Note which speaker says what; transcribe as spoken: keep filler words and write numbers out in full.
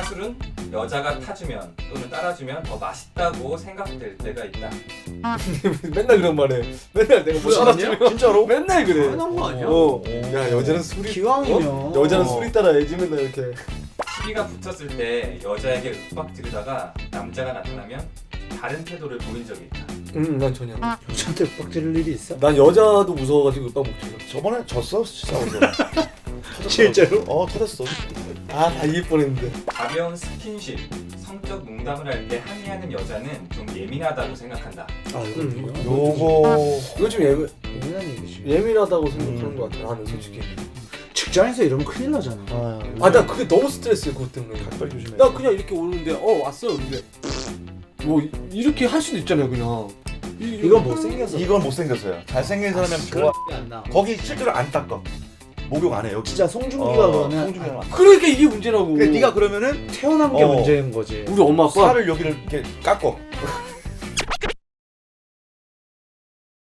Speaker 1: 사술은 여자가 타주면 또는 따라주면 더 맛있다고 생각될 때가 있다.
Speaker 2: 맨날 그런 말해. 맨날 내가 뭐 따라주면
Speaker 3: 진짜로?
Speaker 2: 맨날 그래.
Speaker 4: 당연한 거 아니야?
Speaker 2: 어. 야 여자는 술이
Speaker 4: 기왕이면
Speaker 2: 어? 여자는 술이 따라야지 맨날 이렇게.
Speaker 1: 시비가 붙었을 때 여자에게 윽박 지르다가 남자가 나타나면 다른 태도를 보인 적이 있다.
Speaker 2: 응, 난 전혀.
Speaker 4: 여자한테 빡지를 일이 있어?
Speaker 2: 난 여자도 무서워가지고 윽박 못 질러.
Speaker 3: 저번에 졌어 싸워서.
Speaker 4: 실제로?
Speaker 3: 어 터졌어.
Speaker 2: 아, 다 이길 뻔했는데.
Speaker 1: 가벼운 스킨십, 성적 농담을 할 때 항의하는 여자는 좀 예민하다고 생각한다.
Speaker 4: 아 이거
Speaker 2: 음.
Speaker 4: 뭐야?
Speaker 3: 요거
Speaker 2: 이거 좀 예민
Speaker 4: 예민한 얘기지.
Speaker 2: 예민하다고 생각하는
Speaker 3: 음.
Speaker 2: 것 같아. 나는 솔직히.
Speaker 4: 직장에서 이러면 큰일 나잖아.
Speaker 3: 아,
Speaker 2: 아, 나 그게 너무 스트레스야 그것 때문에.
Speaker 3: 빨리 조심해.
Speaker 2: 나 그냥 이렇게 오는데 어 왔어 근데 뭐 이- 이렇게 할 수도 있잖아요 그냥. 이,
Speaker 4: 이건 못생겨서.
Speaker 3: 이건 못생겼어요. 잘생긴 사람이면
Speaker 4: 그런
Speaker 3: 좋아.
Speaker 4: 게 안 나.
Speaker 3: 거기 실제로 안 닦아. 목욕 안 해 여기.
Speaker 4: 진짜 송중기가
Speaker 3: 어,
Speaker 4: 그러면
Speaker 3: 송중기가 안 해.
Speaker 2: 그러니까 이게 문제라고.
Speaker 3: 근데 네가 그러면은
Speaker 4: 태어난 게
Speaker 3: 어.
Speaker 4: 문제인 거지.
Speaker 2: 우리 엄마 아빠
Speaker 3: 살을 여기를 이렇게 깎어.